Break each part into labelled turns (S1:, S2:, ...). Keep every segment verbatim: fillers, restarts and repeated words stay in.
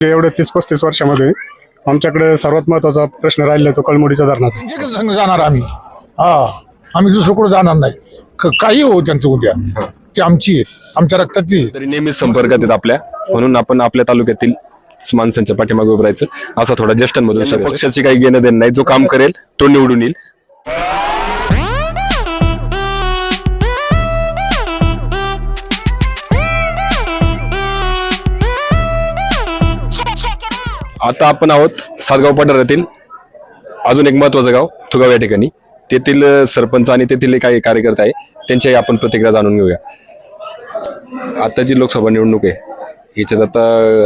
S1: एवढे तीस पस्तीस वर्षामध्ये आमच्याकडे सर्वात महत्वाचा प्रश्न राहिला तो कळमुडीच्या धरणाचा.
S2: त्यांच्याकडे संघ जाणार आम्ही. हा आम्ही दुसरीकडे जाणार नाही. क- काही हो त्यांचं उद्या ती आमची आहे, आमच्या रक्तातली आहे.
S3: तरी नेहमीच संपर्कात आहेत आपल्या, म्हणून आपण आपल्या तालुक्यातील माणसांच्या पाठीमागे उभं राहायचं असा थोडा ज्येष्ठांमधून सगळं. पक्षाची काही घेणं देणं नाही, जो काम करेल तो निवडून येईल. आता आपण आहोत सातगाव पठारातील अजून एक महत्वाचं गाव थुगाव या ठिकाणी. तेथील सरपंच आणि तेथील काही कार्यकर्ते आहे, त्यांच्याही आपण प्रतिक्रिया जाणून घेऊया. आता जी लोकसभा निवडणूक आहे याच्यात आता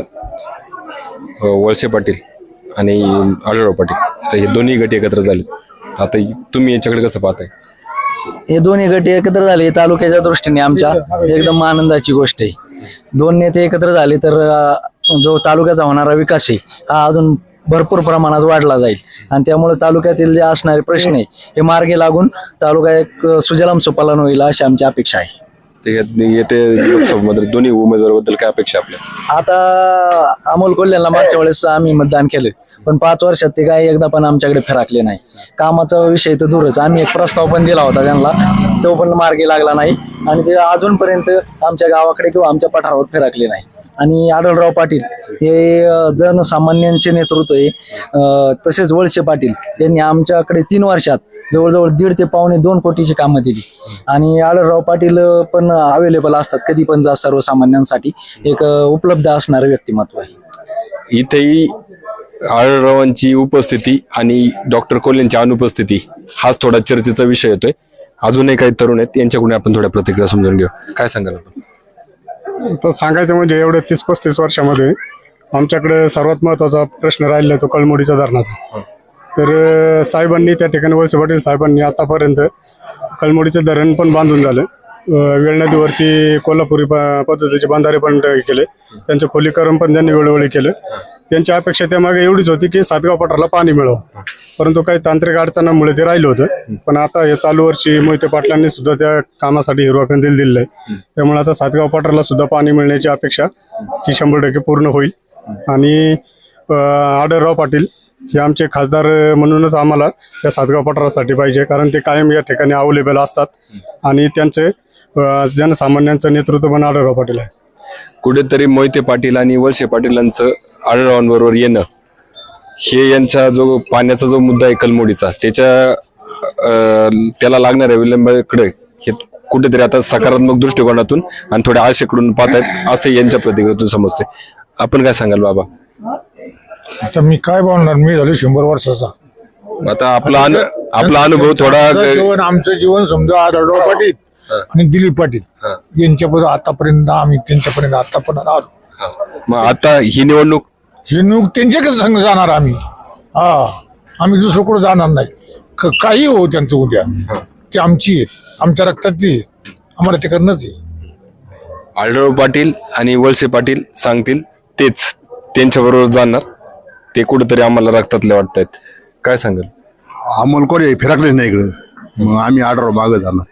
S3: वळसे पाटील आणि आढळराव पाटील आता हे दोन्ही गट एकत्र झाले. आता तुम्ही याच्याकडे कसं पाहताय?
S4: हे दोन्ही गट एकत्र झाले तालुक्याच्या दृष्टीने आमच्या एकदम आनंदाची गोष्ट आहे. दोन नेते एकत्र झाले तर अं, जो तालुक्याचा होणारा विकास आहे हा अजून भरपूर प्रमाणात वाढला जाईल आणि त्यामुळे तालुक्यातील जे असणारे प्रश्न आहे हे मार्गी लागून तालुका एक सुजलाम सुफलाम होईल अशी आमची अपेक्षा आहे.
S3: येते लोकसभेमध्ये दोन्ही उमेदवाराबद्दल काय अपेक्षा आपल्या?
S4: आता अमोल कोल्हेला मागच्या वेळेस आम्ही मतदान केलं पण पाच वर्षात ते काय एकदा पण आमच्याकडे फिराकले नाही. कामाचा विषय तर दूरच, आम्ही एक प्रस्ताव पण दिला होता त्यांना, तो पण मार्गी लागला नाही आणि ते अजूनपर्यंत आमच्या गावाकडे किंवा आमच्या पठारावर फिराकले नाही. आणि आढळराव पाटील हे जनसामान्यांचे नेतृत्व आहे. अं, तसेच वळसे पाटील यांनी आमच्याकडे तीन वर्षात जवळजवळ दीड ते पावणे दोन कोटीची कामं दिली आणि आढळराव पाटील पण अवेलेबल असतात कधी पण जा सर्वसामान्यांसाठी एक उपलब्ध असणारं व्यक्तिमत्व आहे.
S3: इथेही आढळरावांची उपस्थिती आणि डॉक्टर कोल्हेंची अनुपस्थिती हाच थोडा चर्चेचा विषय येतोय. अजूनही काही तरुण आहेत, यांच्याकडून आपण थोड्या प्रतिक्रिया समजून घेऊ. काय सांगाल आपण?
S1: तर सांगायचं म्हणजे एवढे तीस पस्तीस वर्षामध्ये आमच्याकडे सर्वात महत्वाचा प्रश्न राहिला तो कळमुडीच्या धरणाचा. तर अं, साहेबांनी त्या ठिकाणी वळसे पाटील साहेबांनी आतापर्यंत कळमुडीचे धरण पण बांधून झालं. अं, वेळ नदीवरती कोल्हापुरी प- पद्धतीचे बांधारे पण केले, त्यांचं खोलीकरण पण त्यांनी वेळोवेळी केलं. त्यांची अपेक्षा त्यामागे एवढीच होती की सातगाव पठाराला पाणी मिळावं, परंतु काही तांत्रिक अडचणांमुळे ते राहिलं होतं. पण आता हे चालू वर्षी मोहिते पाटलांनी सुद्धा त्या कामासाठी हिरवा कंदील दिलेला आहे. त्यामुळे आता सातगाव पठाराला सुद्धा पाणी मिळण्याची अपेक्षा ती शंभर टक्के पूर्ण होईल. आणि अं, आढळराव पाटील हे आमचे खासदार म्हणूनच आम्हाला त्या सातगाव पठारासाठी पाहिजे, कारण ते कायम या ठिकाणी अवेलेबल असतात आणि त्यांचे अं, जनसामान्यांचं नेतृत्व पण आढळराव पाटील आहे.
S3: कुठेतरी मोहिते पाटील आणि वळसे पाटीलांचं आढळरावांबरोबर येणं हे यांचा जो पाण्याचा जो मुद्दा आहे कलमोडीचा त्याच्या अं, त्याला लागणाऱ्या विलंबाकडे हे कुठेतरी आता सकारात्मक दृष्टिकोनातून आणि थोड्या आशेकडून पाहतायत असं यांच्या प्रतिक्रियेतून समजते. आपण काय सांगाल बाबा?
S2: आता मी काय बोलणार, मी झालो शंभर वर्षाचा.
S3: आता आपला अनु आपला अनुभव थोडा
S2: आमचं जीवन आमचं जीवन समजा आढळराव पाटील आणि दिलीप पाटील यांच्यापर्यंत आतापर्यंत आम्ही त्यांच्यापर्यंत आतापर्यंत आलो.
S3: मग आता ही निवडणूक
S2: हे नुक त्यांच्याकडे संघ जाणार आम्ही. हा आम्ही दुसरीकडे जाणार नाही. क- काही हो त्यांचं उद्या ती आमची आहे, आमच्या रक्तातली आहे, आम्हाला ते करणंच आहे.
S3: आढळराव पाटील आणि वळसे पाटील सांगतील तेच त्यांच्याबरोबर जाणार, ते कुठेतरी आम्हाला रक्तातले वाटतायत. काय सांगाल?
S5: अमोल कोल्हे फिरकलेच नाही इकडे, मग आम्ही आढळराव मागं जाणार,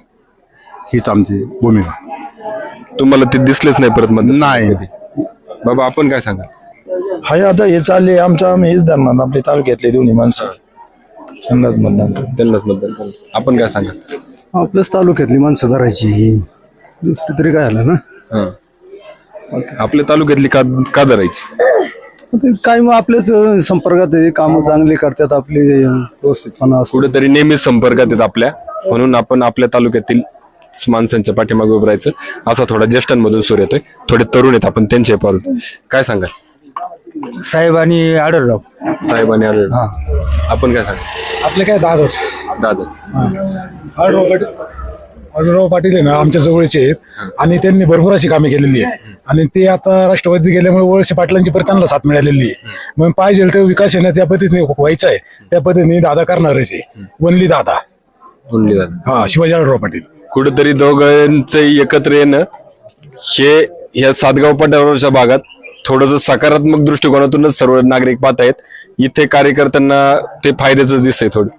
S5: हीच आमची भूमिका.
S3: तुम्हाला ते दिसलेच नाही परत मग?
S5: नाही.
S3: बाबा आपण काय सांगाल?
S6: हाय आता हे चालले आमच्या आम्ही हेच धरणार आपले तालुक्यातले दोन्ही माणसं त्यांनाच मतदान करू.
S3: त्यांनाच मतदान करू. आपण काय सांगाल?
S6: आपल्याच तालुक्यातली माणसं धरायची, दुसरी तरी काय आलं ना.
S3: हा. आपल्या तालुक्यातली का का धरायची?
S6: ते काय मग आपल्याच संपर्कात आहे, कामं चांगली करतात आपली, व्यवस्थितपणा असतो.
S3: कुठेतरी नेहमीच संपर्कात आहेत आपल्या, म्हणून आपण आपल्या तालुक्यातील माणसांच्या पाठीमागे उभं राहायचं असा थोडा ज्येष्ठांमधून सूर येतोय. थोडे तरुण आहेत, आपण त्यांचे पाहू. काय सांगाल?
S4: साहेब आणि आढळराव
S3: साहेब आणि आढळराव. आपण काय सांगाल?
S2: आपले काय दादच
S3: दादाच
S2: आढळराव पाटील आढळराव पाटील आहे ना आमच्या जवळचे आहेत आणि त्यांनी भरपूर अशी कामे केलेली आहे आणि ते आता राष्ट्रवादी गेल्यामुळे वळसे पाटलांची परत त्यांना साथ मिळालेली आहे. मग पाहिजे तर विकास येणं त्या पद्धतीने व्हायचा आहे, त्या पद्धतीने दादा करणारच आहे. वनली दादा
S3: बोलली दादा.
S2: हा शिवाजी आढळराव पाटील.
S3: कुठेतरी दोघांचं एकत्र येणं हे ह्या सातगाव पठारावरच्या भागात थोडंसं सकारात्मक दृष्टिकोनातूनच सर्व नागरिक पाहत आहेत. इथे कार्यकर्त्यांना ते फायद्याच दिसतंय थोडं.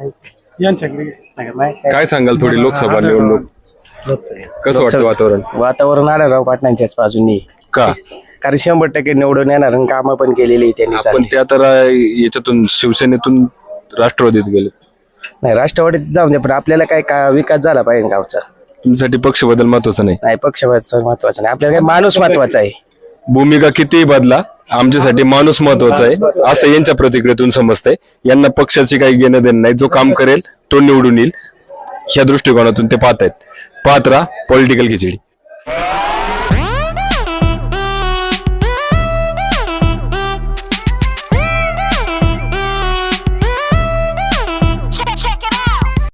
S3: काय सांगाल थोडी लोकसभा निवडणूक कसं वाटतं वातावरण?
S7: वातावरण आढळराव पाटलांच्याच बाजूनी.
S3: का
S7: कारण शंभर टक्के निवडून येणार आणि कामं पण केलेली आहे त्यांनी
S3: पण
S7: चांगली.
S3: ते आता रा- याच्यातून शिवसेनेतून राष्ट्रवादीत गेले.
S7: नाही राष्ट्रवादीत जाऊन दे पण आपल्याला काय का विकास झाला पाहिजे गावचा.
S3: तुमच्यासाठी पक्ष बदल महत्वाचा नाही.
S7: नाही पक्ष महत्वाचा नाही, आपल्याला काय माणूस महत्वाचा आहे.
S3: भूमिका कितीही बदला, आमच्यासाठी माणूस महत्वाचा आहे असं यांच्या प्रतिक्रियेतून समजतंय. यांना पक्षाची काही घेणं देणं नाही, जो काम करेल तो निवडून येईल ह्या दृष्टिकोनातून ते पाहतायत. पाहत राहा पॉलिटिकल खिचडी.